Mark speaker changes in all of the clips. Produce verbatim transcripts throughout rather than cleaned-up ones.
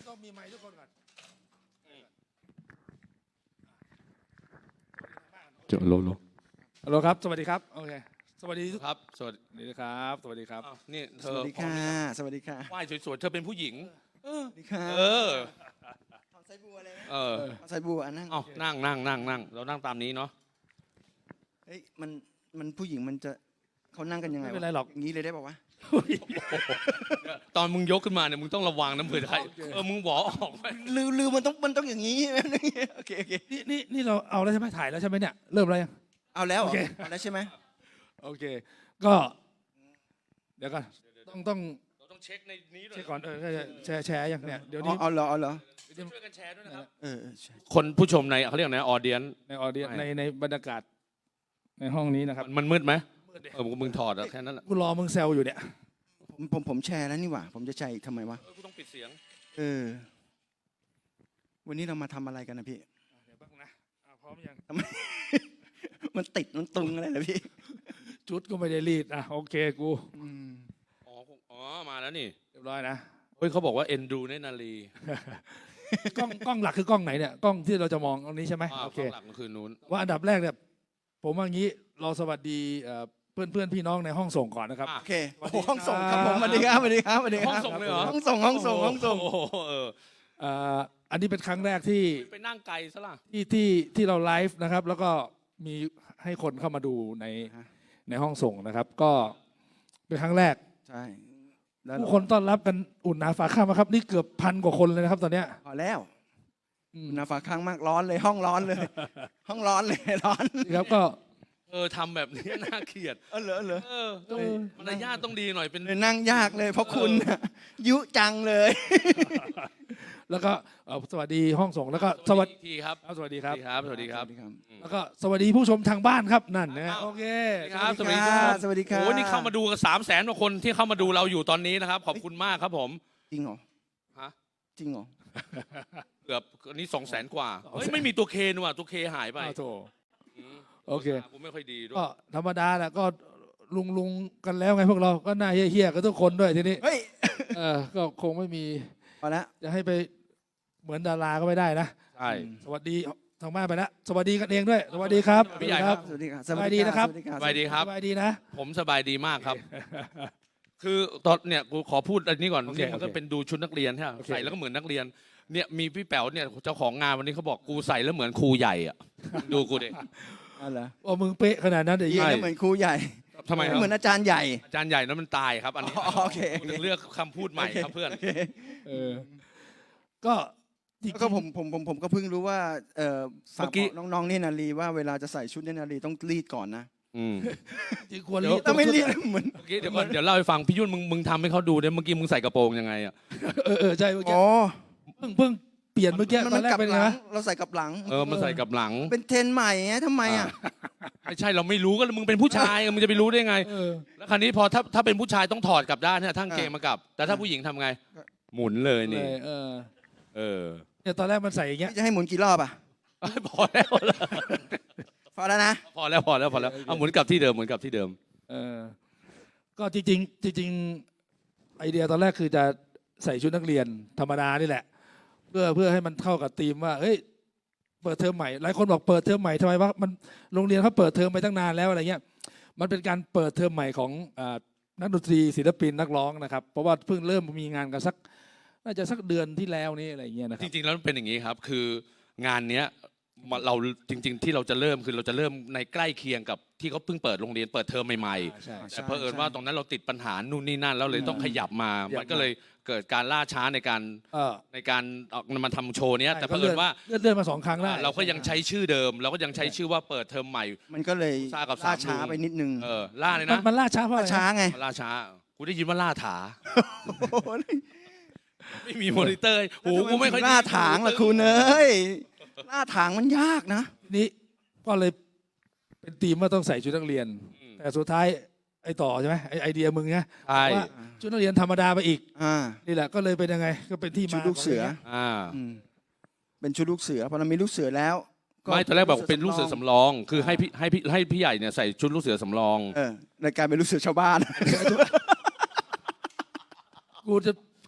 Speaker 1: ต้องมีไมค์ทุกคนก่อนจบโลโลฮัลโหลครับสวัสดีครับโอเคสวัสดีทุกครับสวัสดีครับสวัสดีครับ
Speaker 2: นี่เธ
Speaker 3: ส
Speaker 2: อ
Speaker 3: วัสดีค่ะสวัสดีค่ะ
Speaker 2: ไหว้สวยๆเธอเป็นผู้หญิง
Speaker 3: สวัสดีค่ะ
Speaker 2: เออ
Speaker 3: ทำไซบัวเลยนะ
Speaker 2: เออ
Speaker 3: ทำไซบัวนั่ง
Speaker 2: เอานั่งนั่งนั่งนั่งเรานั่งตามนี้เนาะ
Speaker 3: เฮ้ยมันมันผู้หญิงมันจะเขานั่งกันยังไง
Speaker 1: ไม่เป็นไรหรอก
Speaker 3: อย่างนี้เลยได้ป่าวะ
Speaker 2: ตอนมึงยกขึ้นมาเนี่ยมึงต้องระวังนะเผื่อใครเออมึงหวอออกไป
Speaker 3: ลือลือมันต้องมันต้องอย่างนี้ โอเคโอเค
Speaker 1: นี่นี่นี่เราเอาแล้วใช่ไหมถ่ายแล้วใช่ไหมเนี่ยเริ่มแล้วยัง
Speaker 3: เอาแล้วเหร
Speaker 1: โอ
Speaker 3: อ
Speaker 1: เค
Speaker 3: เอาแล้วใช่ไหม
Speaker 1: โอเคก็เดี๋ยวก่อนต้องต้อง
Speaker 2: เราต้องเช็คในนี้ด้วย
Speaker 1: เช็คก่อนเออแชร์แชร์ยังเนี่ยเดี๋ยว
Speaker 3: อ๋อ
Speaker 1: นี้
Speaker 3: เอาเหรอเอาเหรอ
Speaker 2: ช่วยกันแชร์ด้วยนะครับ
Speaker 3: เออเออใช่
Speaker 2: คนผู้ชมในเขาเรียกนะออเดียน
Speaker 1: ในออเดีย
Speaker 2: ไม่
Speaker 1: ในในบรรยากาศในห้องนี้นะครับ
Speaker 2: มันมืดไหมเออมึงถอดอะแค่นั้นแหละ
Speaker 1: กูรอมึงแซวอยู่เนี่ย
Speaker 3: ผมผมผมแชร์แล้วนี่หว่าผมจะแชร์อีกทำไมวะ
Speaker 2: เออกูต้องปิดเสียง
Speaker 3: เออวันนี้เรามาทำอะไรกันนะพี่
Speaker 1: เดี๋ยวแป๊บนึงนะอ่ะพร้อมยัง
Speaker 3: มันติดมันตึงอะไรนะพี่
Speaker 1: จุดก็ไม่ได้รีดอ่ะโอเคกู
Speaker 3: อืม
Speaker 2: อ๋ออ๋อมาแล้วนี่
Speaker 1: เรียบร้อยนะ
Speaker 2: เฮ้ยเขาบอกว่าเอ็นดูเนตรนาลี
Speaker 1: กล้องกล้องหลักคือกล้องไหนเนี่ยกล้องที่เราจะมองตรงนี้ใช่ไหม
Speaker 2: อ่า
Speaker 1: โอเค
Speaker 2: ข้างหลังก็คือนู้น
Speaker 1: ว่าอันดับแรกเนี่ยผมว่างี้เราสวัสดีเพื่อนเพื่อนๆพี่น้องในห้องส่งก่อนนะครับ
Speaker 2: อ่ะ
Speaker 3: โอเคโอ้โหห้องส่งครับผมสวัสดีครับสวัสดีครับสวัสดีค
Speaker 2: ห้อง
Speaker 3: รับ
Speaker 2: ส่งเลยเหรอ
Speaker 3: ห้องส่งห้องส่งห้องส่ง
Speaker 2: โอ้โหเออ
Speaker 1: เอ่ออันนี้เป็นครั้งแรกที่
Speaker 2: ไปนั่งไกลซะล่ะ
Speaker 1: ที่ที่ที่เราไลฟ์นะครับ แล้วก็มีให้คนเข้ามาดูในในห้องส่งนะครับ ก็เป็นครั้งแรก
Speaker 3: ใช่แล้ว
Speaker 1: ผู้คนต้อนรับกันอุ่นหนาฝาข้างมาครับนี่เกือบพันกว่าคนเลยนะครับตอนเนี้ย
Speaker 3: พอแล้ว
Speaker 1: อืม
Speaker 3: หนาฝาข้างมากร้อนเลยห้องร้อนเลย ห้องร้อนเลยร้อน
Speaker 1: นี่ครับก็
Speaker 2: เออทำแบบนี้น่าเกลียด
Speaker 3: เออเหรอเหรอ
Speaker 2: เออต้องมารยาทต้องดีหน่อยเป็น
Speaker 3: เลยนั่งยากเลยเพราะคุณน่ะยุจังเลย
Speaker 1: แล้วก็เอ่อสวัสดีห้องส่งแล้วก็สวัสดี
Speaker 2: อีกทีครับ
Speaker 1: ครับสวัสดี
Speaker 2: ส
Speaker 1: ครั
Speaker 2: วั
Speaker 1: บ
Speaker 2: สดีครับสวัสดีครับ
Speaker 1: แล้วก็สวัสดีผู้ชมทางบ้านครับนั่นนะ
Speaker 2: อ้าว
Speaker 1: โอเค
Speaker 2: ครับ
Speaker 3: สวัสดีครับสวัสดีครับ
Speaker 2: โอ้นี่เข้ามาดูกันสามแสนกว่าคนที่เข้ามาดูเราอยู่ตอนนี้นะครับ ขอบคุณมากครับผม
Speaker 3: จริงเหรอ
Speaker 2: ฮะ
Speaker 3: จริงเหรอ
Speaker 2: เกือบอันนี้สองแสนกว่าเฮ้ยไม่มีตัวเคนี่ว่ะตัวเคหายไป
Speaker 1: อ้าวโถ
Speaker 2: อืม
Speaker 1: โอเค
Speaker 2: กูไม่ค่อยดีด้วย
Speaker 1: ก็ธรรมดาแหละก็ลุงลุงกันแล้วไงพวกเราก็หน้าเฮี้ยๆกันทุกคนด้วยทีนี้
Speaker 3: เฮ้ย
Speaker 1: เออก็คงไม่มี
Speaker 3: พอแล้ว
Speaker 1: จะให้ไปเหมือนดาราก็ไม่ได้นะ
Speaker 2: ใช่
Speaker 1: สวัสดีทางบ้านไปแล้วสวัสดีกันเองด้วย สวัสดีครับ
Speaker 2: พี่ใหญ่ครับ
Speaker 3: สวัสดีครับ
Speaker 1: สบายดีนะครับ
Speaker 3: สวัสดีครับ
Speaker 2: สบายดีครับ
Speaker 1: สบายดีนะ
Speaker 2: ผมสบายดีมากครับ คือตอนเนี่ยกูขอพูดอันนี้ก่อน
Speaker 1: โอเค
Speaker 2: นี่มันก็
Speaker 1: โอเค
Speaker 2: เป็นดูชุดนักเรียนใช่ไหม
Speaker 1: โอเค
Speaker 2: ใส่แล้วก็เหมือนนักเรียนเนี่ยมีพี่แป๋วเนี่ยเจ้าของงานวันนี้เขาบอกกูใส่แล้วเหมือนครูใหญ่อะดูกูดิ
Speaker 3: อ๋อเหรอ
Speaker 1: โอ้มึงเป๊ะขนาดนั้นเดี๋ยว
Speaker 3: ยืน
Speaker 1: ยี่
Speaker 3: แล้วเหมือนครูใหญ่
Speaker 2: ทำไมครับ
Speaker 3: เหมือนอาจารย์ใหญ่
Speaker 2: อาจารย์ใหญ่นั้นมันตายครับ อันนี้
Speaker 3: อ๋อโอเคโอเค
Speaker 2: กูถึงเลือกคำพูดใหม่ครับเพื่อน
Speaker 3: โอเค
Speaker 1: เออก็จริง
Speaker 3: แล้วก็ผมผมผมผมก็เพิ่งรู้ว่าเอ่อฝาก
Speaker 2: เมื่อกี้
Speaker 3: บอกน้องๆเนตรนารีว่าเวลาจะใส่ชุดเนตรนารีต้องรีดก่อนนะ
Speaker 2: อืม
Speaker 1: จริงควร
Speaker 2: เดี๋ยว
Speaker 1: รีบ
Speaker 3: ถ้าไม่รีดเหมือน
Speaker 2: เมื่อกี้เดี๋ยวก่อนเดี๋ยวเล่าให้ฟังพี่ยุ่นมึงมึงทำให้เขาดูเนี่ยเมื่อกี้มึงใส่กระโปรงยังไงอ่ะ
Speaker 1: เออเออใช่เมื่อกี้
Speaker 3: อ๋อ
Speaker 1: เพิ่งเพิ่งเปลี่ยนเมื่อกี้
Speaker 3: มัน
Speaker 1: ตอ
Speaker 3: มัน น
Speaker 1: แรก
Speaker 3: กลับ
Speaker 1: เป็น
Speaker 3: ห
Speaker 1: ไง
Speaker 3: ลัง
Speaker 1: วะ
Speaker 3: เราใส่กลับหลัง
Speaker 2: เออมันใส่กับหลัง
Speaker 3: เป็นเทรนด์ใหม่ไงทำไมอ่ะ
Speaker 2: ไม่ใช่เราไม่รู้ก็มึงเป็นผู้ชายมึงจะไปรู้ได้ไง
Speaker 1: เออ
Speaker 2: แล้วคราวนี้พอถ้าถ้าเป็นผู้ชายต้องถอดกลับด้านเนี่ยทั้งเกงมากลับ แต่ถ้าผู้หญิงทำไง หมุนเลย
Speaker 1: เล
Speaker 2: นี่
Speaker 1: ยเออ
Speaker 2: เออ
Speaker 1: เนี่ยตอนแรกมันใส่อย่างเงี้ย
Speaker 3: พี่จะให้หมุนกี่รอบอ่ะ
Speaker 2: พอแล้ว
Speaker 3: พอแล้วนะ
Speaker 2: พอแล้วพอแล้วพอแล้วเอาหมุนกลับที่เดิมหมุนกลับที่เดิม
Speaker 1: เออก็จริงๆจริงๆไอเดียตอนแรกคือจะใส่ชุดนักเรียนธรรมดานี่แหละ เพื่อเพื่อให้มันเข้ากับธีมว่าเฮ้ยเปิดเทอมใหม่หลายคนบอกเปิดเทอมใหม่ทำไมวะมันโรงเรียนเขาเปิดเทอมไปตั้งนานแล้วอะไรเงี้ยมันเป็นการเปิดเทอมใหม่ของอ่านักดนตรีศิลปินนักร้องนะครับ เพราะว่าเพิ่งเริ่มมีงานกันสักน่าจะสักเดือนที่แล้วนี่อะไรเงี้ยนะค
Speaker 2: จ
Speaker 1: รับ
Speaker 2: ริงๆแล้วมันเป็นอย่างนี้ครับ คืองานเนี้ยมันเราจริง ๆ ที่เราจะเริ่มคือเราจะเริ่มในใกล้เคียงกับที่เขาเพิ่งเปิดโรงเรียนเปิดเทอมใหม่
Speaker 1: ใช่
Speaker 2: ๆแต่เพอเอิญว่าตรงนั้นเราติดปัญหานู่นนี่นั่นแล้วเลยต้องขยับมา
Speaker 1: ขยับมามั
Speaker 2: มันก็เลยเกิดการล่าช้าในการ
Speaker 1: เออ
Speaker 2: ในการเอามาทำโชว์เนี้ยแต่เพ
Speaker 1: ก็
Speaker 2: อ
Speaker 1: เลื่
Speaker 2: เอิ
Speaker 1: อน
Speaker 2: ญว่า
Speaker 1: เลื่อนเลื่อนมาสองครั้งแล้ว
Speaker 2: เราก็ยังใช้ชื่อเดิม เราก็ยังใช้ชื่อว่าเปิดเทอมใหม่
Speaker 3: มันก็เลย
Speaker 2: ซ่ากับสาม
Speaker 3: ล่าช้า
Speaker 2: ลุง
Speaker 3: ไปนิดนึง
Speaker 2: เออล่าเลย
Speaker 1: มัน
Speaker 2: นะ
Speaker 1: มันล่าช้าเพราะอะ
Speaker 3: ล่า
Speaker 1: ไร
Speaker 3: ช้า
Speaker 1: นะ
Speaker 3: ไง
Speaker 2: ล่าช้ากูได้ยินว่าล่าถา
Speaker 3: โอ้โห
Speaker 2: ไม่มีมอนิเตอร์โอ้โหกูไม่ค่อย
Speaker 3: ล่าถางล่ะคุณเอ้ยล่าถางมันยากนะ
Speaker 1: นี่ก็เลยเป็นธีมว่าต้องใส่ชุดนักเรียน แต่สุดท้ายไอ้ต่อใช่ไหมไอ้ไอเดียมึงไง
Speaker 2: ใช่
Speaker 1: ว่าชุดนักเรียนธรรมดาไปอีก
Speaker 3: อ่า
Speaker 1: นี่แหละก็เลยเป็นยังไงก็เป็นที่มา
Speaker 3: ชุดลูกเสือ
Speaker 1: ขงรื่องนี้ย
Speaker 2: อ่า
Speaker 3: อืมเป็นชุดลูกเสือพอเรามีลูกเสือแล้ว
Speaker 2: ไม่ตอนแรกบอกเป็นลูกเสือสำรอง คือให้พี่ให้พี่ให้พี่ใหญ่เนี่ยใส่ชุดลูกเสือสำรอง
Speaker 3: เออในการเป็นลูกเสือชาวบ้าน
Speaker 1: กูจะ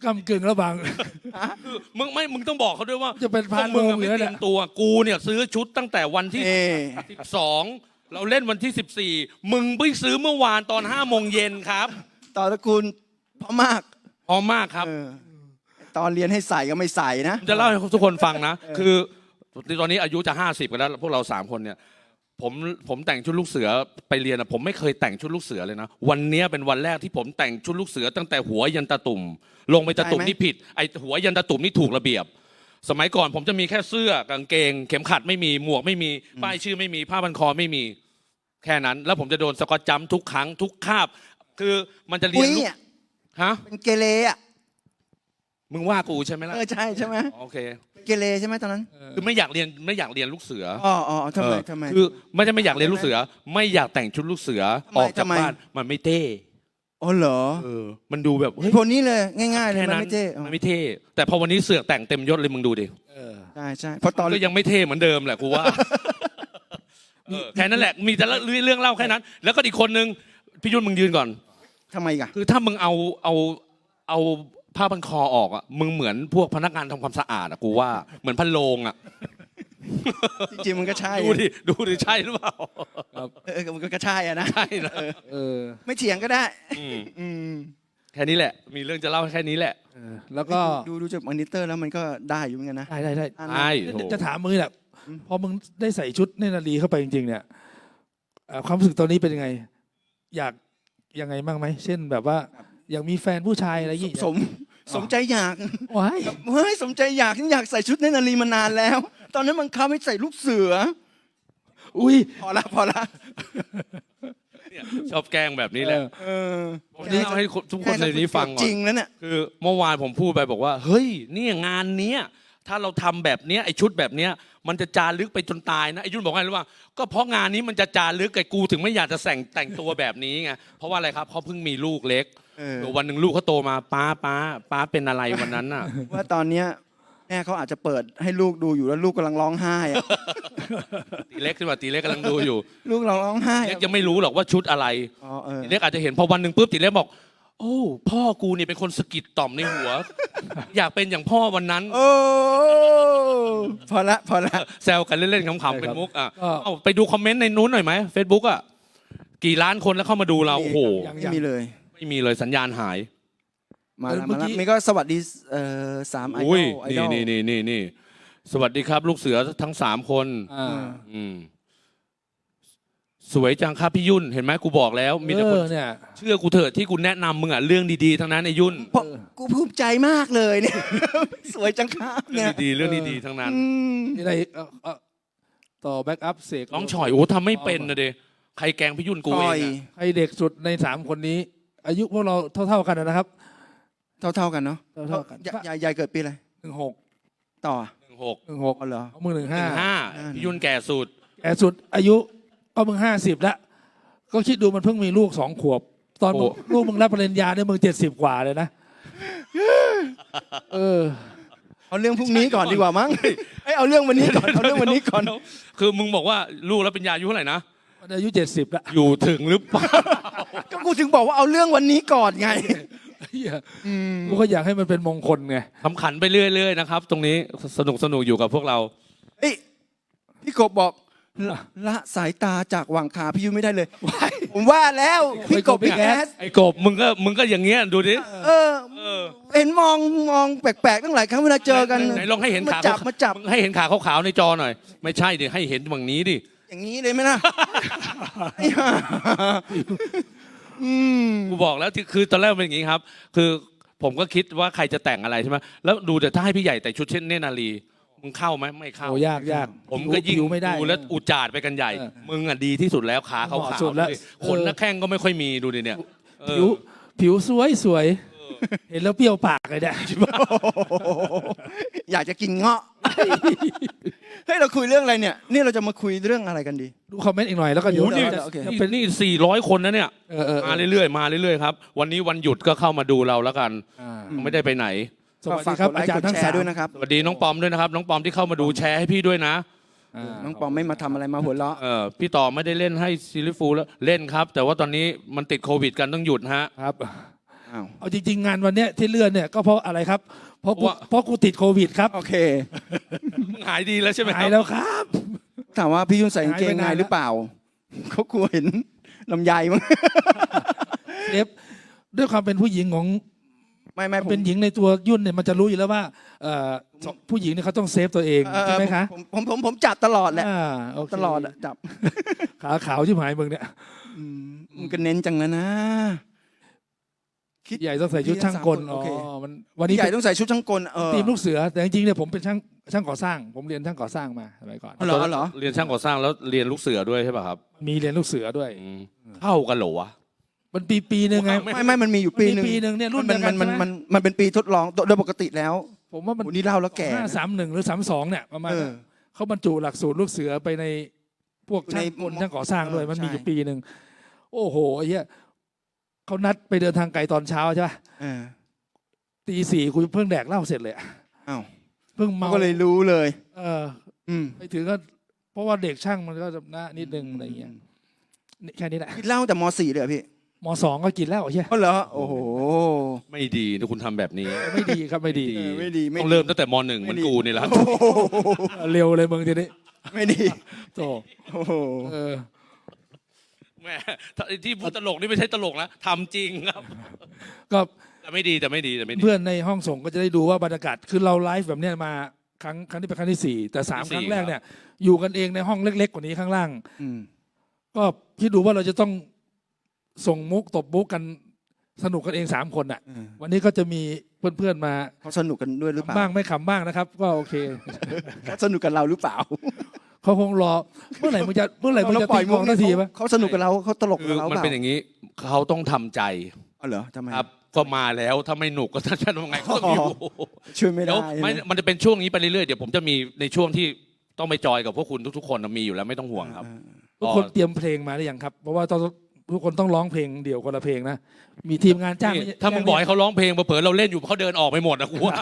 Speaker 1: กำกึ่งระหว่าง
Speaker 2: มึงไม่มึงต้องบอกเขาด้วยว่า
Speaker 1: จะเป็นพาน
Speaker 2: พวกมึง
Speaker 1: โรง
Speaker 2: อะไม่
Speaker 1: อยู่แล้ว
Speaker 2: เต
Speaker 1: เนี่
Speaker 2: รี
Speaker 1: ย
Speaker 2: ยมตัวกูเนี่ยซื้อชุดตั้งแต่วันที่
Speaker 3: เอ
Speaker 2: สิบสองเราเล่นวันที่สิบสี่มึงไปซื้อเมื่อวานตอนห้าโมงเย็นครับ
Speaker 3: ต่อตระกูลพ่อมาก
Speaker 2: พร้อมมากครับ
Speaker 3: เออตอนเรียนให้ใส่ก็ไม่ใส่นะ
Speaker 2: ผมจะเล่าให้ทุกคนฟังนะ คือตอนนี้อายุจะห้าสิบกันแล้วพวกเราสามคนเนี่ยผมผมแต่งชุดลูกเสือไปเรียนอะผมไม่เคยแต่งชุดลูกเสือเลยนะวันนี้เป็นวันแรกที่ผมแต่งชุดลูกเสือตั้งแต่หัวยันตะตุ่มลงไปตะตุ่ม
Speaker 3: ใช่ไหม
Speaker 2: นี่ผิดไอหัวยันตะตุ่มนี่ถูกระเบียบ สมัยก่อนผมจะมีแค่เสื้อกางเกง เข็มขัดไม่มีหมวกไม่มีป้ายชื่อไม่มีผ้าพันคอไม่มีแค่นั้น แล้วผมจะโดนสกอตจัมป์ทุกครั้งทุกคาบ คือมันจะเรี
Speaker 3: อุ้
Speaker 2: ยน
Speaker 3: ย
Speaker 2: ลูก
Speaker 3: อะ
Speaker 2: ฮะ
Speaker 3: เป็นเกเรอ่ะ
Speaker 2: มึงว่ากูใช่ไหมล่ะ
Speaker 3: เออใช่ใช่ไหม
Speaker 2: โอเค
Speaker 3: เป็นเกเรใช่ไหมตอนนั้น
Speaker 2: คือไม่อยากเรียนไม่อยากเรียนลูกเสือ
Speaker 3: อ๋ออ๋อทำไม
Speaker 2: เออ
Speaker 3: ทำไม
Speaker 2: คือไม่ใช่ไม่อยากเรียนลูกเสือ ไม่อยากแต่งชุดลูกเสือ
Speaker 3: ทำไม
Speaker 2: ออกจาก
Speaker 3: ทำไม
Speaker 2: บ้านมันไม่เท่
Speaker 3: อ๋อเหรอ
Speaker 2: เออมันดูแบบ
Speaker 3: เห
Speaker 2: เฮ้ย
Speaker 3: ตุผลนี้เลยง่ายๆเลย
Speaker 2: แค่
Speaker 3: มัน
Speaker 2: นั้น
Speaker 3: ไม่เท่อ๋อ
Speaker 2: มันไม่เท่ แต่พอวันนี้เสือกแต่งเต็มยศเลยมึงดูดิ
Speaker 1: เออ
Speaker 3: ใช่ใช่เพราะตอน
Speaker 2: ก็ยังไม่เท่เหมือนเดิมแหละกูว่าเออแค่นั้นแหละมีแต่ละเรื่องเล่าแค่นั้น แล้วก็อีกคนนึงพี่ยุ่นมึงยืนก่อน
Speaker 3: ทำไมกะ
Speaker 2: คือถ้ามึงเอาเอาเอาผ้าพันคอออกอ่ะมึงเหมือนพวกพนักงานทำความสะอาดอ่ะกูว่าเหมือนพันโลงอ่ะ
Speaker 3: จริงๆมันก็ใช่
Speaker 2: ดูดิดูดิใช่หรือเปล่า
Speaker 3: เออมันก็ใช่อะนะ
Speaker 2: ใช่นะ
Speaker 1: เออ
Speaker 3: ไม่เถียงก็ได้
Speaker 2: อืม
Speaker 3: อืม
Speaker 2: แค่นี้แหละ มีเรื่องจะเล่าแค่นี้แหละ
Speaker 1: เออแล้วก็
Speaker 3: ดูดูจากมอนิเตอร์แล้วมันก็ได้อยู่เหมือนกันนะ
Speaker 1: ได้ได้ได้
Speaker 3: อัน
Speaker 2: ใช่
Speaker 3: นั้น
Speaker 2: โถ
Speaker 1: จะถามมึงนี่แหละพอมึงได้ใส่ชุดเนตรนารีเข้าไปจริงๆเนี่ยเอ่อความรู้สึกตอนนี้เป็นยังไง อยากยังไงบ้างไหมเช่นแบบว่า อยากมีแฟนผู้ชายอะไรอย่างเงี้ย
Speaker 3: สมสมใจอยาก
Speaker 1: ว้าย
Speaker 3: เฮ้ยสมใจอยากฉันอยากใส่ชุดเนตรนารีมานานแล้ว ตอนนั้นมันคับให้ใส่ลูกเสือ
Speaker 1: อุ้ย
Speaker 3: พอละพอละ
Speaker 2: เนี่ยชอบแกล้งแบบนี้แหละ
Speaker 3: เออ
Speaker 2: ผมจะเล่าให้ทุกคนในนี้ฟังก่
Speaker 3: จ
Speaker 2: อ
Speaker 3: ริ
Speaker 2: น
Speaker 3: งแล้วเนี่ย
Speaker 2: คือเมื่อวานผมพูดไปบอกว่า เฮ้ยเนี่ยงานเนี้ยถ้าเราทำแบบเนี้ยไอชุดแบบเนี้ยมันจะจารึกไปจนตายนะไอยุ่นบอกไงรู้ป่ะก็เพราะงานนี้มันจะจารึกไอกูถึงไม่อยากจะแต่งแต่งตัวแบบนี้ไงเพราะว่าอะไรครับเขาเพิ่งมีลูกเล็ก
Speaker 3: เออ
Speaker 2: เดี๋ยววันหนึ่งลูกเขาโตมาป้าป้าป้าเป็นอะไรวันนั้นน่ะ
Speaker 3: ว่าตอนเนี้ยแม่เขาอาจจะเปิดให้ลูกดูอยู่แล้วลูกกำลังร้องไห้อะ
Speaker 2: ตีเล็กขึ้นมาตีเล็กกำลังดูอยู่
Speaker 3: ลูกกำลังร้องไห้
Speaker 2: เล็ก
Speaker 3: อะ
Speaker 2: ยังไม่รู้หรอกว่าชุดอะไร
Speaker 3: อ๋อเออ
Speaker 2: ตีเล็กอาจจะเห็นพอวันหนึ่งปุ๊บตีเล็กบอก โอ้พ่อกูเนี่ยเป็นคนสะกิดต่อมในหัว อยากเป็นอย่างพ่อวันนั้น
Speaker 3: โอ้พอละพอละ
Speaker 2: แซวกันเล่นๆขำๆเป็นมุกอ่ะ
Speaker 1: ก็
Speaker 2: เอาไปดูคอมเมนต์ในนู้นหน่อยไหมเฟซบุ๊กอ่ะกี่ล้านคนแล้วเข้ามาดูเราโอ้โห
Speaker 3: ไม่มีเลย
Speaker 2: ไม่มีเลยสัญญาณหาย
Speaker 3: มาแล้ว
Speaker 1: เมื่
Speaker 3: มา
Speaker 1: อ
Speaker 3: แล้ว
Speaker 1: กี้
Speaker 3: มีก็สวัสดีเอ่อสามไอด
Speaker 2: อุ้
Speaker 3: อย ลไอด
Speaker 2: นี่
Speaker 3: อล
Speaker 2: นี่นี่นี่นี่สวัสดีครับ ลูกเสือทั้งสามคน
Speaker 1: อ่า
Speaker 2: อืมสวยจังครับพี่ยุ่นเห็นไหมกูบอกแล้ว มีแต่คน
Speaker 1: เออเนี่ย
Speaker 2: เชื่อกูเถอะที่กูแนะนำมึงอ่ะเรื่องดีๆทั้งนั้นไอ้ยุ่น
Speaker 3: เพราะกูภูมิใจมากเลยเนี่ย สวยจังครับ
Speaker 2: เรื่
Speaker 3: เนี่
Speaker 2: อย งดีๆเรื่องดีๆทั้งนั้น
Speaker 3: อืม
Speaker 1: นี่อะไรเอ่อเอ่อต่อแบ็กอัพเสก
Speaker 2: น้องฉอยโอ้ทำไม่เป็นนะเดใครแกล้งพี่ยุ่นกู
Speaker 3: ป
Speaker 2: เอ
Speaker 3: ล่อย
Speaker 2: งอะ
Speaker 1: ใครเด็กสุดในสามคนนี้ อายุพวกเราเท่า ๆกันนะครับ
Speaker 3: เท่าเท่าๆกันเนาะ
Speaker 1: เท่าๆกัน
Speaker 3: ยายยายยายเกิดปีอะไร
Speaker 1: หนึ่งหก
Speaker 3: ต่อ
Speaker 2: หนึ่งหก
Speaker 1: หนึ่งหก
Speaker 3: อ๋อเหรอ
Speaker 1: เอามือหนึ่ง
Speaker 2: ห
Speaker 1: ห้า
Speaker 2: นึ่งห้าพี่ยุ่นแก่สุด
Speaker 1: แก่สุดอายุก็มึงห้าสิบแล้ว ก็คิดดูมันเพิ่งมีลูกสองขวบ ตอนมึงลูกมึงรับปริญญาเนี่ยมึงเจ็ดสิบกว่าเลยนะ เออ
Speaker 3: เอาเรื่องพรุ่งนี้ก่อนดีกว่ามั้งเอ้ยเอาเรื่องวันนี้ก่อนเอาเรื่องวันนี้ก่อน
Speaker 2: คือมึงบอกว่าลูกแล้วเป็นยาอายุเท่าไหร่นะ
Speaker 1: มันอายุเจ็ดสิบแล้ว
Speaker 2: อยู่ถึงหรือเปล่า
Speaker 3: ก็กูถึงบอกว่าเอาเรื่องวันนี้ก่อนไง
Speaker 1: เหี้ยกูก็อยากให้มันเป็นมงคลไง
Speaker 2: ทำขันไปเรื่อยๆนะครับ ตรงนี้สนุกสนุกอยู่กับพวกเรา
Speaker 3: เอ้ยพี่กบบอกละละสายตาจากหว่างขาพี่ยุ้ยไม่ได้เลย ผมว่าแล้วพี่กบพี่แอส
Speaker 2: ไอ้กบมึงก็มึงก็อย่างเงี้ยดูดิ
Speaker 3: เออ เห็นมองมองแปลกๆตั้งหลายครั้งเวลาเจอกัน
Speaker 2: ไหนลองให้เห็น
Speaker 3: มา
Speaker 2: ขา
Speaker 3: จับมาจับ
Speaker 2: มึงให้เห็นขาขาวๆในจอหน่อย ไม่ใช่ดิให้เห็นฝั่งนี้ดิ
Speaker 3: อย่างนี้เลยไหมล่ะ อืม
Speaker 2: กูบอกแล้วที่คือตอนแรกเป็นอย่างงี้ครับ คือผมก็คิดว่าใครจะแต่งอะไรใช่ไหมแล้วดูแต่ถ้าให้พี่ใหญ่แต่งชุดเช่นเนตรนารีมึงเข้าไหมไม่เข้า
Speaker 1: โอ้ยากยาก
Speaker 2: ผมก็ยิ่ง
Speaker 1: ผิวไม่ได้
Speaker 2: ดูแล้วอุจจาดไปกันใหญ่
Speaker 1: เออ
Speaker 2: มึงอ่ะดีที่สุดแล้วขาขาว
Speaker 1: เหมาะ
Speaker 2: ๆ
Speaker 1: สุดแล้ว
Speaker 2: เลยขนหน้าแข้งก็ไม่ค่อยมีดูดิเนี่ยเออ
Speaker 1: ผิวผิวสวยสวยเห็นแล้วเปรี้ยวปากเลยเนี่ย
Speaker 3: อยากจะกินเงาะ เฮ้ยเราคุยเรื่องอะไรเนี่ย นี่เราจะมาคุยเรื่องอะไรกันดี
Speaker 1: ดูคอมเมนต์อีกหน่อยแล้วก็เดี๋ยว
Speaker 2: โอ้โหนี่
Speaker 1: จะ
Speaker 3: โอเค
Speaker 1: จะ
Speaker 2: นี่
Speaker 1: เป็น
Speaker 2: นี่สี่ร้อยคนนะเนี่ย
Speaker 1: เออเออเอ
Speaker 2: มา
Speaker 1: อ
Speaker 2: เรื่อยๆมาเรื่อยๆครับวันนี้วันหยุดก็เข้ามาดูเราแล้วกัน
Speaker 1: อ่า
Speaker 2: ไม่ได้ไปไหน
Speaker 1: สวัสดีครับ
Speaker 3: ฝกกไล
Speaker 1: อาจารย์
Speaker 3: กด
Speaker 1: ทั้ง
Speaker 3: แช
Speaker 1: สาม
Speaker 3: ร์ด้วยนะครับ
Speaker 2: สวัสดีน้องปอมด้วยนะครับ น้องปอมที่เข้ามาดูแชร์ให้พี่ด้วยนะ
Speaker 1: อ่า
Speaker 3: น้องปอมไม่มาทำอะไรมาหัวเราะ
Speaker 2: เออพี่ต่อไม่ได้เล่นให้ซิลิฟูลแล้วเล่นครับ แต่ว่าตอนนี้มันติดโควิดกันต้องหยุดฮะ
Speaker 1: ครับ
Speaker 3: ออ้าว
Speaker 1: เอาจริง ๆ งานวันเนี้ยที่เลื่อนเนี่ยก็เพราะอะไรครับ เพราะกูเพราะกูติดโควิดครับ
Speaker 3: โอเค
Speaker 2: มึงหายดีแล้วใช่ไหมค
Speaker 1: หาย
Speaker 2: รับ
Speaker 1: แล้วครับ
Speaker 3: ถามว่าพี่ยุ่นใส่กางเกง
Speaker 1: หายไป
Speaker 3: ใน
Speaker 1: นานแล้ว
Speaker 3: หรือเปล่าเขากลัวเห็นลำไยมั้ง
Speaker 1: เอฟด้วยความเป็นผู้หญิงของ
Speaker 3: ไม่ไม่ผม
Speaker 1: เป็นหญิงในตัวยุ่นเนี่ยมันจะรู้อยู่แล้วว่าเอ่อผู้หญิงเนี่ยเขาต้องเซฟตัวเอง
Speaker 3: เออ
Speaker 1: ใช่ไหมคะ
Speaker 3: ผมผมผมผมจับตลอดแหละ
Speaker 1: อ่าโเค
Speaker 3: ตลอดอะจับ
Speaker 1: ขาขาวชิบหายมึงเนี่ย
Speaker 3: อืมมันก็เน้นจังแล้วนะ คิด
Speaker 1: ใหญ่ต้องใส่ชุดช่างกล
Speaker 3: โอ
Speaker 1: อ๋อ
Speaker 3: เค
Speaker 1: มันวันนี้
Speaker 3: พี่ใหญ่ต้องใส่ชุดช่างกลเออ
Speaker 1: ทีมลูกเสือแต่จริงๆเนี่ยผมเป็นช่างช่างก่อสร้าง ผมเรียนช่างก่อสร้างมาสมัยก่อน
Speaker 3: เหรอเหรอ
Speaker 2: เรียนช่างก่อสร้างแล้วเรียนลูกเสือด้วยใช่ป่ะครับ
Speaker 1: มีเรียนลูกเสือด้วย
Speaker 2: อืมเข้ากันเหรอวะ
Speaker 1: มันปีปีหนึ่งไง
Speaker 3: ไม่ไม่มันมีอยู่ปีหนึ่ง
Speaker 1: มันมีปีหนึ่งเนี่ยรุ่น
Speaker 3: มัน
Speaker 1: เดียวกั
Speaker 3: มัน นมัน
Speaker 1: ใช่ไหม
Speaker 3: มันมันเป็นปีทดลองโดยปกติแล้ว
Speaker 1: ผมว่ามัน
Speaker 3: โอ้นี่เล่าแล้วแก่
Speaker 1: ห้าสามหนึ่งหรือสามสองเนี่ยประมาณ
Speaker 3: เอ
Speaker 1: นั้
Speaker 3: อน
Speaker 1: เขาบรรจุหลักสูตรลูกเสือไปในพวกช่างกล
Speaker 3: ใน
Speaker 1: ช่างก่อสร้างด้วย
Speaker 3: เออ
Speaker 1: มันมีอยู่
Speaker 3: ใช่
Speaker 1: ปีหนึ่งโอ้โหไอ้เหี้ยเขานัดไปเดินทางไกลตอนเช้าใช่ปะ
Speaker 3: เออ
Speaker 1: ตีสี่กูเพิ่งแดกเหล้าเสร็จเลยอะ
Speaker 3: อ้าว
Speaker 1: เพิ่ง
Speaker 3: เขา
Speaker 1: เมา
Speaker 3: ก็เลยรู้เลย
Speaker 1: เออ
Speaker 3: อืม
Speaker 1: ไปถึงก็เพราะว่าเด็กช่างมันก็จะนะนิดนึงอะไรเงี้ยนี่แค่นี้แหละ
Speaker 3: กินเหล้าแต่มสี่เลยเหรอพี่
Speaker 1: มสองก็กินแล้วไอ้เหี้ย
Speaker 3: อ๋อเหรอโอ้โห
Speaker 2: ไม่ดีนะคุณทำแบบนี้
Speaker 1: ไม่ดีครับไม่ดี
Speaker 3: เออไม่ดีไม่
Speaker 2: ต้อง
Speaker 3: ดี
Speaker 2: เริ่มตั้งแต่มหนึ่งเหมันกูนี่แหละ
Speaker 3: โอ้โห
Speaker 1: เร็วเลยมึงทีนี้
Speaker 3: ไม่ดี
Speaker 1: โต
Speaker 3: โอ้โห
Speaker 1: เออ
Speaker 2: แหม่ที่พูดตลกนี่ไม่ใช่ตลกนะทำจริงครับ
Speaker 1: ก็
Speaker 2: แต่ไม่ดีแต่ไม่ดีแต่ไม่ดี
Speaker 1: เพื่อนในห้องส่งก็จะได้ดูว่าบรรยากาศคือเราไลฟ์แบบเนี้ยมาครั้งครั้งที่เป็นครั้งที่สี่แต่สาม
Speaker 2: ที่
Speaker 1: ค
Speaker 2: สี่
Speaker 1: รั้งแรก
Speaker 2: ครับ
Speaker 1: เนี่ยอยู่กันเองในห้องเล็ก ๆ กว่านี้ข้างล่าง
Speaker 3: อืม
Speaker 1: ก็คิดดูว่าเราจะต้องส่งมุกตบมุกกันสนุกกันเองสามคนอ่ะ
Speaker 3: เออ
Speaker 1: วันนี้ก็จะมีเพื่อนๆมา
Speaker 3: เขาสนุกกันด้วยหรือเปล่า
Speaker 1: บ้างไม่ขำบ้างนะครับ ก็โอเค
Speaker 3: เขาสนุกกับเราหรือเปล่า
Speaker 1: เขาคงรอเมื่อไหร่มึงจะเมื่อไหร่มึงจะตีกลองนาทีปะ
Speaker 3: เขาสนุกกับเราเขาตลก
Speaker 2: คื
Speaker 3: กับ
Speaker 2: อ
Speaker 3: เรา
Speaker 2: มัน
Speaker 3: เปล่า
Speaker 2: เป็นอย่างนี้เขาต้องทำใจ
Speaker 3: อ๋อเหรอทำไม
Speaker 2: ครับ ก็มาแล้วถ้าไม่หนุกก็ท่านจะทำไงก็ต้องอยู่
Speaker 3: ช่วยไม่
Speaker 2: เดี๋
Speaker 3: ได้
Speaker 2: ยวไม่มันจะเป็นช่วงนี้ไปเรื่อยๆเดี๋ยวผมจะมีในช่วงที่ต้องไปจอยกับพวกคุณทุกๆคนมีอยู่แล้วไม่ต้องห่วงครับ
Speaker 1: ทุกคนเตรียมเพลงมาหรือยังครับ เพราะว่าต้องทุกคนต้องร้องเพลงเดี่ยวคนละเพลงนะมีทีมงานจ้าง
Speaker 2: นี่ถ้ามึงบอกให้เขาร้องเพลงเผลอๆเราเล่นอยู่เขาเดินออกไปหมดนะกูว่า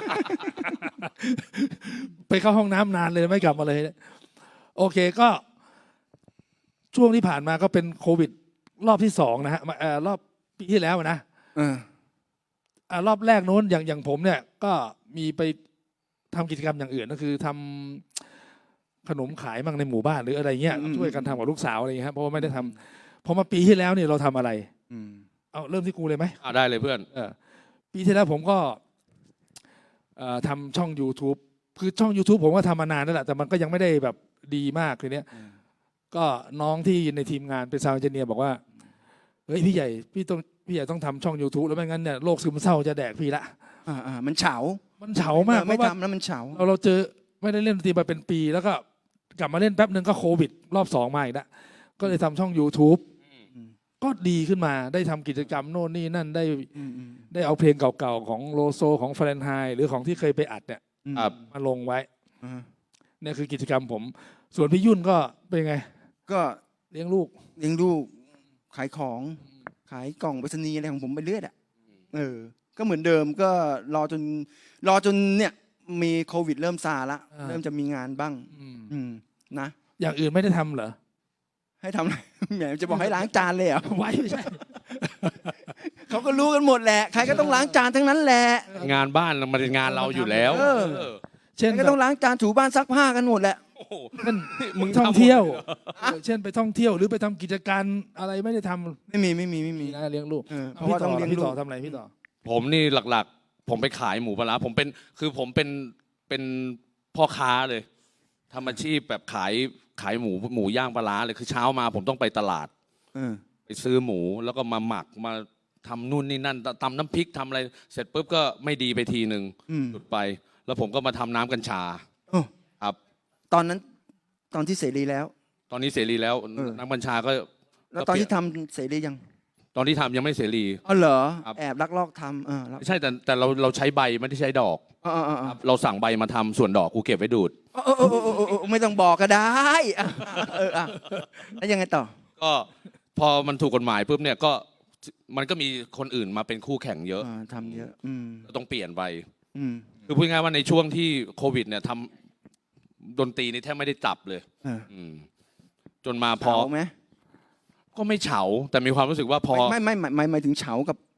Speaker 1: ไปเข้าห้องน้ำนานเลยไม่กลับมาเลย โอเคก็ ช่วงที่ผ่านมาก็เป็นโควิด รอบที่สองนะฮะมาเอ่อรอบปีที่แล้วนะ
Speaker 3: เออ
Speaker 1: อ่ารอบแรกโน้นอย่างอย่างผมเนี่ย ก็มีไปทำกิจกรรมอย่างอื่นก็คือทำขนมขายมั่งในหมู่บ้านหรืออะไรเงี้ย
Speaker 3: อืม
Speaker 1: ช่วยกันทำกับลูกสาวอะไรเงี้ยครับเพราะว่าไม่ได้ทำพอมาปีที่แล้วเนี่ยเราทำอะไร
Speaker 3: อืม
Speaker 1: เอาเริ่มที่กูเลยไหม
Speaker 2: อ่ะได้เลยเพื่อน
Speaker 1: เออปีที่แล้วผมก็เอ่อทำช่อง YouTube คือช่อง YouTube ผมก็ทำมานานแล้วแหละแต่มันก็ยังไม่ได้แบบดีมากเลยเนี้ย
Speaker 3: อืม
Speaker 1: ก็น้องที่ในทีมงานเป็นซาวด์เอนจิเนียร์บอกว่าเฮ้ยพี่ใหญ่พี่ต้องพี่ใหญ่ต้องทำช่อง YouTube แล้วไม่งั้นเนี่ยโรคซึมเศร้าจะแดกพี่ละ
Speaker 3: อ่าอ่ามันเฉา
Speaker 1: มันเฉามาก
Speaker 3: เออ
Speaker 1: เพ
Speaker 3: ไม่
Speaker 1: ราะว่า
Speaker 3: ทำแล้วมันเฉา
Speaker 1: เราเราเจอไม่ได้เล่นดนตรีมาเป็นปี แล้วก็กลับมาเล่นแป๊บหนึ่งก็โควิด รอบสองมาอีกแล้วก็เลยทำช่อง YouTube
Speaker 3: อืม
Speaker 1: ก็ดีขึ้นมาได้ทำกิจกรรมโน่นนี่นั่นได้
Speaker 3: อืมอืม
Speaker 1: ได้เอาเพลงเก่าๆของโลโซของฟรนไฮหรือของที่เคยไปอัดเนี่ย
Speaker 3: อืม
Speaker 2: ครับ
Speaker 1: มาลงไว้
Speaker 3: อ่า
Speaker 1: เนี่ยคือกิจกรรมผม ส่วนพี่ยุ่นก็เป็นไง
Speaker 3: ก็
Speaker 1: เลี้ยงลูก
Speaker 3: เลี้ยงลูกขายของ ขายกล่องไปรษณีย์อะไรของผมไปเรื่อยอ่ะเออ ก็เหมือนเดิมก็รอจน รอจนเนี่ยมีโควิดเริ่มซาละ
Speaker 1: อ่า
Speaker 3: เริ่มจะมีงานบ้าง
Speaker 1: อืม
Speaker 3: อืมนะ
Speaker 1: อย่างอื่นไม่ได้ทำเหรอ
Speaker 3: ให้ทำอะไร แหมจะบอกให้ล้างจานเลยเหรอ่ะ
Speaker 1: ไว้ไม่ใช่
Speaker 3: เขาก็รู้กันหมดแหละ ใครก็ต้องล้างจานทั้งนั้นแหละ
Speaker 2: งานบ้านมันเป็นงานเราอยู่แล้ว
Speaker 3: เออ
Speaker 2: เออ
Speaker 1: เช่น
Speaker 3: ใครก็ต้องล้างจานถูบ้านซักผ้ากันหมดแหละ
Speaker 2: โอ้โห
Speaker 1: เช่น
Speaker 2: มึง
Speaker 1: ท่อง
Speaker 2: ทำหมด
Speaker 1: เที่ยว
Speaker 2: ลหรอ
Speaker 1: เออเช่นไปท่องเที่ยวหรือไปทำกิจการอะไรไม่ได้ทำ
Speaker 3: ไม่มีไม่มีไม่มี
Speaker 1: มีนะเลี้ยงลูก
Speaker 3: เออเพ
Speaker 1: เอา
Speaker 3: ราะว่า
Speaker 1: พี่
Speaker 3: ต้
Speaker 1: ต่
Speaker 3: อง
Speaker 1: อ
Speaker 3: เลี้ยง
Speaker 1: พี่
Speaker 3: ลู
Speaker 1: ต่อก ทำอะไรพี่ต่อ
Speaker 2: ผมนี่หลักๆ ผมไปขายหมูปลาร้าผมเป็นคือผมเป็นเป็นพ่อค้าเลยทำอาชีพแบบขายขายหมูหมูย่างปลาร้าเลยคือเช้ามาผมต้องไปตลาด
Speaker 3: เออ
Speaker 2: ไปซื้อหมูแล้วก็มาหมักมาทำนู่นนี่นั่นตำน้ำพริกทำอะไร เสร็จปุ๊บก็ไม่ดีไปทีหนึ่ง
Speaker 3: อืม
Speaker 2: หยุดไป แล้วผมก็มาทำน้ำกัญชา
Speaker 3: โอ้
Speaker 2: ครับ
Speaker 3: ตอนนั้นตอนที่เสรีแล้ว
Speaker 2: ตอนนี้เสรีแล้ว
Speaker 3: เออ
Speaker 2: น้ำกัญชาก็
Speaker 3: แล้วตอนที่ทำเสรียัง
Speaker 2: ตอนที่ทำยังไม่เสรี
Speaker 3: อ๋อเหรอ
Speaker 2: ครับ
Speaker 3: แอบลักลอบทำเออแล้ว
Speaker 2: ไม่ใช่แต่แต่เราเราใช้ใบไม่ได้ใช้ดอก
Speaker 3: เออเออเออ
Speaker 2: ครับเราสั่งใบมาทำส่วนดอกกูเก็บไว้ดูด
Speaker 3: เออเออเออเออเออไม่ต้องบอกก็ได้อ่ะเอออ่ะแล้วยังไงต่อ
Speaker 2: ก็พอมันถูกกฎหมายปุ๊บเนี่ยก็มันก็มีคนอื่นมาเป็นคู่แข่งเยอะ
Speaker 3: อ่าทำเยอะ อืม
Speaker 2: ก็ต้องเปลี่ยนไป
Speaker 3: อืม
Speaker 2: คือพูดง่ายๆว่าในช่วงที่โควิดเนี่ยทำดนตรีนี่แทบไม่ได้จับเลย
Speaker 3: เออ
Speaker 2: อืมจนมาพอ
Speaker 3: เฉาไหม
Speaker 2: ก็ไม่เฉา แต่มีความรู้สึกว่าพอ
Speaker 3: ไม่ไม่ไม่ไม่หมายถึงเฉากับ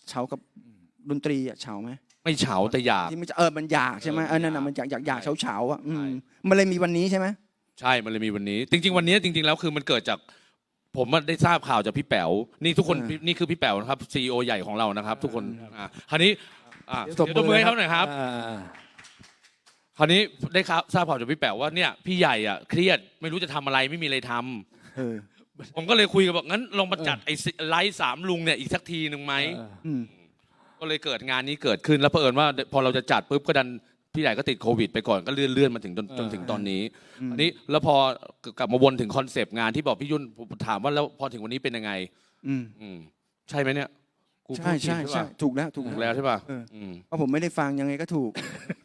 Speaker 3: เฉากับดนตรีอะเฉาไหม
Speaker 2: ไม่เฉาแต่อยาก
Speaker 3: ที่มันจะเออมันอยากใช่ไหม
Speaker 2: เออ
Speaker 3: เออนั่นน่ะ
Speaker 2: มั
Speaker 3: มัน
Speaker 2: น
Speaker 3: อยากอยากอยาก
Speaker 2: ใช่
Speaker 3: เฉาเฉาๆอ่ะอืม
Speaker 2: ใช่
Speaker 3: มันเลยมีวันนี้ใช่ไหม
Speaker 2: ใช่มันเลยมีวันนี้ จริง ๆ วันนี้จริง ๆ แล้วคือมันเกิดจากผมได้ทราบข่าวจากพี่แป๋วนี่ทุกคน
Speaker 3: อ่า
Speaker 2: นี่คือพี่แป๋วนะครับซีอีโอใหญ่ของเรานะครับ ทุกคนอ่าคราวนี้อ่า
Speaker 1: เดี๋
Speaker 2: เดี๋ยว
Speaker 1: ยว
Speaker 2: ต
Speaker 1: ต
Speaker 2: บบ มื
Speaker 1: มื
Speaker 2: อ
Speaker 1: อ
Speaker 2: ให้เขาหน่อยครับ
Speaker 1: อ่า
Speaker 2: คราวนี้ได้ทราบข่าวจากพี่แป๋วว่าเนี่ยพี่ใหญ่อ่ะเครียดไม่รู้จะทำอะไรไม่มีอะไรทำ
Speaker 3: เออ
Speaker 2: ผมก็เลยคุยกับบอกงั้นลองมาจัดไอ้ไลฟ์สามลุงเนี่ยอีกสักทีหนึ่งไหม
Speaker 1: เออ
Speaker 3: อืม
Speaker 2: ก็เลยเกิดงานนี้เกิดขึ้นแล้วเผอิญว่าพอเราจะจัดปุ๊บก็ดันพี่ใหญ่ก็ติดโควิดไปก่อนก็เลื่อนเลื่อนมาถึงจนจนถึงตอนนี้
Speaker 3: อืม
Speaker 2: อันนี้แล้วพอกลับมาวนถึงคอนเซปต์งานที่บอกพี่ยุ่นผมถามว่าแล้วพอถึงวันนี้เป็นยังไง
Speaker 3: อืม
Speaker 2: อืมใช่ไหมเนี่ยกูพู
Speaker 3: ใช่
Speaker 2: ดผิด
Speaker 3: ใช่
Speaker 2: ใช่
Speaker 3: ใช่
Speaker 2: ป่ะ
Speaker 3: ถูกแล้วถูก
Speaker 2: ถูกแล้วใช่ป่ะ
Speaker 3: เออ
Speaker 2: อืม
Speaker 3: เพราะผมไม่ได้ฟังยังไงก็ถูก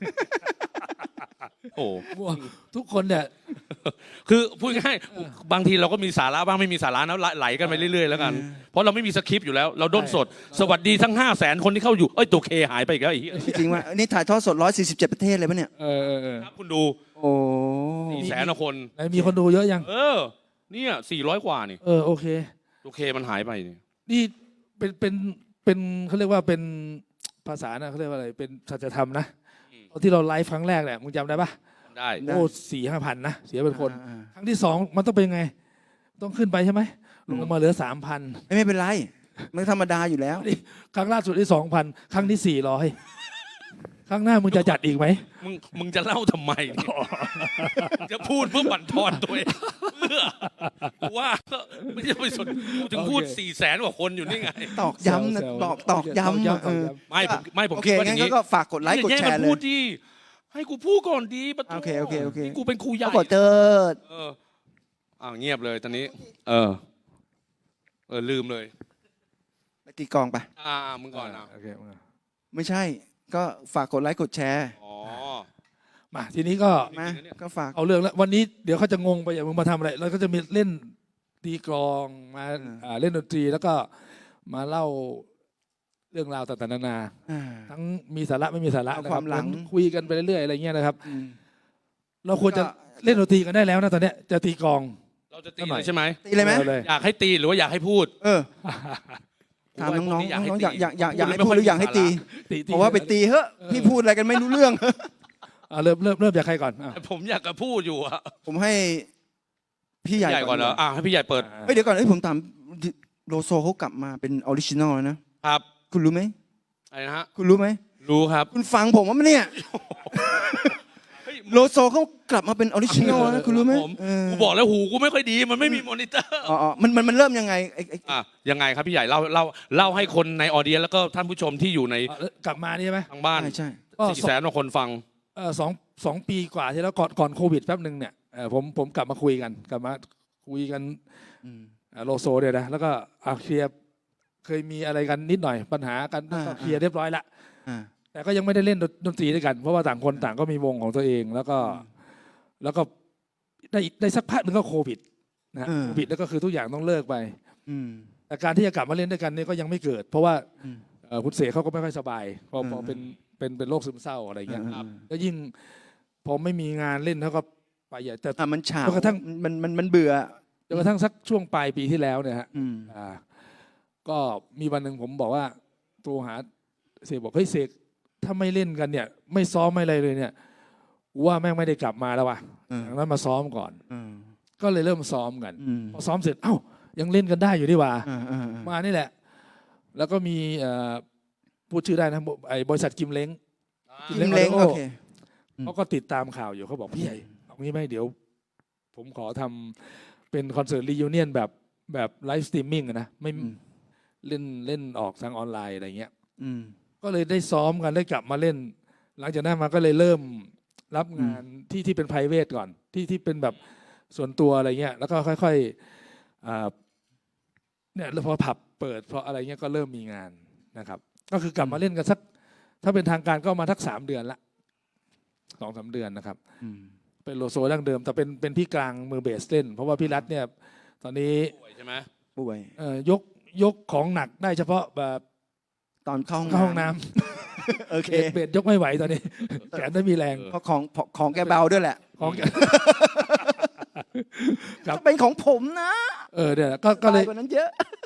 Speaker 2: โอ้
Speaker 1: ทุกคนเนี่ย
Speaker 2: คือพูดง่ายๆบางทีเราก็มีสาระบ้างไม่มีสาระนะไหลกันไปเรื่อยๆแล้วกัน
Speaker 3: เออ
Speaker 2: เพราะเราไม่มีสคริปต์อยู่แล้ว เราด้นสด สวัสดีทั้งห้าแสนคนที่เข้าอยู่เอ้ยตัวเคหายไปอีกแล้วไอ้เหี้ย
Speaker 3: จริงๆว่านี่ถ่ายทอดสดร้อยสี่สิบเจ็ดประเทศเลยปะเนี่ย
Speaker 1: เออเออเออ
Speaker 2: ครับคุณดู
Speaker 3: โอ้
Speaker 2: สี่แสนคน
Speaker 1: ไหนมีคนดูเยอะยัง
Speaker 2: เออเนี่ยสี่ร้อยกว่านี่
Speaker 1: เออโอเค
Speaker 2: ตัวเคมันหายไปนี่
Speaker 1: นี่เป็นเป็นเป็นเขาเรียกว่าเป็นภาษานะเขาเรียกว่าอะไรเป็นสัจธรรมนะที่เราไลฟ์ครั้งแรกแหละมึงจำได้ปะ
Speaker 2: ได้
Speaker 1: โอ้สี่ห้าพันนะเสียเป็นคน
Speaker 3: อ่า
Speaker 1: ครั้งที่สองมันต้องเป็นไง ต้องขึ้นไปใช่ไหมลงมาเหลือสามพัน
Speaker 3: ๆไม่เป็นไรมันธรรมดาอยู่แล้ว
Speaker 1: ครั้งล่าสุดที่สองพันครั้งที่สี่ร้อยครั้งหน้ามึงจะจัดอีกไหม
Speaker 2: มึงมึงจะเล่าทำไมเนี่ยจะพูดเพื่อบั่นทอนตัวเองเพื่อกูว่าก็ไม่ใช่ไปสนกูถึงพูดสี่แสนกว่าคนอยู่นี่ไง
Speaker 3: ตอกย้ำนะ
Speaker 1: แซวๆ
Speaker 3: ตอกตอกย้ำอะเออ
Speaker 2: ไม่ผมไม่ผม
Speaker 3: โอ
Speaker 2: คิ
Speaker 3: เค
Speaker 2: ดว่าอ
Speaker 3: งั้
Speaker 2: ย่าน งนี้
Speaker 3: ก็ฝากกดไลค์กดแชร์
Speaker 2: อย่า
Speaker 3: เล
Speaker 2: งพู
Speaker 3: ย
Speaker 2: ดดีให้กูพูดก่อนดีปะโถ
Speaker 3: โอเคโอเคโอเค
Speaker 2: นี่กูเป็นครูใหญ่
Speaker 3: ขอเจอ
Speaker 2: เอออ้าวเงียบเลยตอนนี้ เออ เออลืมเลย
Speaker 3: ไปตีกลองไป
Speaker 2: อ่ามึงก่อนนะ
Speaker 1: โอเค
Speaker 3: ไม่ใช่ ก็ฝากกดไลค์กดแชร์
Speaker 2: อ๋อ
Speaker 1: มาทีนี้ก็
Speaker 3: มาก็ฝาก
Speaker 1: เอาเรื่องแล้ววันนี้เดี๋ยวเขาจะงงไปอย่างมึงมาทำอะไรเราก็จะมีเล่นตีกลองมา
Speaker 3: อืม
Speaker 1: อ่าเล่นดนตรีแล้วก็มาเล่าเรื่องราวต่างๆนานา
Speaker 3: อ่า
Speaker 1: ทั้งมีสาระไม่มีสาระ
Speaker 3: เอา
Speaker 1: นะ
Speaker 3: ความหลัง
Speaker 1: เหอนคุยกันไปเรื่อยๆอะไรเงี้ยนะครับ
Speaker 3: อืม
Speaker 1: เราควรจะ
Speaker 3: ก็
Speaker 1: เล่นดนตรีกันได้แล้วนะตอนเนี้ยจะตีกลอง
Speaker 2: เราจะตีเลยใช่ไหม
Speaker 3: ตีเลยไหม
Speaker 1: อาเลย
Speaker 2: อยากให้ตีหรือว่าอยากให้พูด
Speaker 3: เออถามน้องๆน้องๆอยากอยากอยากอยากให้พูดห
Speaker 2: ไม่
Speaker 3: รืออยากให้ตี
Speaker 1: ตีตี
Speaker 3: เพราะว่าไปตีเฮ้ะพี่พูดอะไรกันไม่รู้เรื่อง
Speaker 1: อ่ะเริ่มเริ่มเริ่มจากใครก่อนอ่ะ
Speaker 2: แต่ผมอยากจะพูดอยู่อะ
Speaker 3: ผมให้พี่ใหญ่
Speaker 2: ใหญ่ก่อนเหรออ่ะให้พี่ใหญ่เปิด
Speaker 3: เฮ้ยเดี๋ยวก่อนเอ้ยผมถามโลโซเขากลับมาเป็นออริจินอลแล้วนะครับ คุณรู้ไหม
Speaker 2: อะไรนะฮะ
Speaker 3: คุณรู้ไหม
Speaker 2: รู้ครับ
Speaker 3: คุณฟังผมว่าเนี่ย
Speaker 2: เฮ้ย
Speaker 3: โลโซเขากลับมาเป็นออริจินอลนะคุณรู้ไหม
Speaker 2: ผม
Speaker 3: เออ
Speaker 2: กูบอกแล้วหูกูไม่ค่อยดีมันไม่มีมอนิเตอร์
Speaker 3: อ๋ออ๋อมันมันมันเริ่มยังไงไอ้ไอ้
Speaker 2: อ่ะยังไงครับพี่ใหญ่เล่าเล่าเล่าให้คนในออเดียแล้วก็ท่านผู้ชมที่อยู่ใน
Speaker 1: อ่ะกลับมานี่ใช่ไหม
Speaker 2: ทางบ้าน
Speaker 3: ใช่ใช่
Speaker 1: ก็
Speaker 2: สี่แสนกว่าคนฟัง
Speaker 1: เออสองสองปีกว่าที่แล้วก่อนก่อนโควิดแป๊บหนึ่งเนี่ยเออผมผมกลับมาคุยกันกลับมาคุยกัน
Speaker 3: อืม
Speaker 1: อ่ะโลโซเนี่ยนะแล้วก็อ่ะเคลียร์เคยมีอะไรกันนิดหน่อยปัญหากัน
Speaker 3: อ่า
Speaker 1: ก็เคลียร์เรียบร้อยละ
Speaker 3: อ่า
Speaker 1: แต่ก็ยังไม่ได้เล่นดนตรีด้วยกัน เพราะว่าต่างคนต่างก็มีวงของตัวเอง แล้วก็
Speaker 3: อืม
Speaker 1: แล้วก็ได้ได้สักพักหนึ่งก็โควิดนะฮะ
Speaker 3: เออ
Speaker 1: โควิดแล้วก็คือทุกอย่างต้องเลิกไป
Speaker 3: อืม
Speaker 1: แต่การที่จะกลับมาเล่นด้วยกันเนี่ยก็ยังไม่เกิด เพราะว่า
Speaker 3: อืม
Speaker 1: เอ่อคุณเสกเขาก็ไม่ค่อยสบายพอ
Speaker 3: อืม
Speaker 1: พอเป็นเป็นเป็นโรคซึมเศร้าอะไรเงี้ย
Speaker 3: ครับ
Speaker 1: แล้วยิ่งพอไม่มีงานเล่นเขาก็ไปใหญ่แต่
Speaker 3: อ่ะมันเฉา
Speaker 1: จนกระทั่ง
Speaker 3: มันมันมันเบื่อ
Speaker 1: จนกระทั่งสักช่วงปลายปีที่แล้วเนี่ยฮะ
Speaker 3: อืม
Speaker 1: อ่าก็มีวันหนึ่งผมบอกว่าโทรหาเสกบอกเฮ้ยเสกถ้าไม่เล่นกันเนี่ย ไม่ซ้อมไม่อะไรเลยเนี่ยกูว่าแม่งไม่ได้กลับมาแล้วว่ะ
Speaker 3: เออ
Speaker 1: ดังนั้นมาซ้อมก่อน
Speaker 3: เออ
Speaker 1: ก็เลยเริ่มซ้อมกัน
Speaker 3: อืม
Speaker 1: พอซ้อมเสร็จเอ้ายังเล่นกันได้อยู่ดีว่า
Speaker 3: อ่าอ่าอ่า
Speaker 1: มานี่แหละ แล้วก็มีเอ่อพูดชื่อได้นะไอ้บริษัทกิมเล้ง
Speaker 3: กินเล้งโอเค อืม
Speaker 1: เขาก็ติดตามข่าวอยู่เขาบอกพี่ใหญ่เอางี้ไหมเดี๋ยว ผมขอทำเป็นคอนเสิร์ตรียูเนียนแบบแบบไลฟ์สตรีมมิ่งนะไม่
Speaker 3: อืม
Speaker 1: เล่นเล่นออกทางออนไลน์อะไรเงี้ย
Speaker 3: อืม
Speaker 1: ก็เลยได้ซ้อมกันได้กลับมาเล่น หลังจากนั้นมาก็เลยเริ่มรับงานที่ที่เป็น private ก่อนที่ที่เป็นแบบส่วนตัวอะไรเงี้ยแล้วก็ค่อยๆอ่าเนี่ยแล้วพอผับเปิดพออะไรเงี้ยก็เริ่มมีงานนะครับ ก็คือกลับมาเล่นกันสัก ถ้าเป็นทางการก็มาทักสามเดือนละสองสามเดือนนะครับ
Speaker 3: อืม
Speaker 1: เป็นโลโซดั้งเดิม แต่เป็นเป็นพี่กลางมือเบสเล่น เพราะว่าพี่รัฐเนี่ย ตอนนี้
Speaker 2: ป่วยใช่ไหม
Speaker 3: ป่วย
Speaker 1: เอ่อยกยกของหนักได้เฉพาะแบบ
Speaker 3: ตอนเข้า
Speaker 1: เข้าห้องน้ำ
Speaker 3: โอเค
Speaker 1: เบสเบสยกไม่ไหวตอนนี้ แขนไม่มีแรง
Speaker 3: เพราะของของแกเบาด้วยแหละ
Speaker 1: ของแก ครับ
Speaker 3: จะเป็นของผมนะ
Speaker 1: เออเนี่ยก็ก็เลย
Speaker 3: สบากว่านั้นเยอะ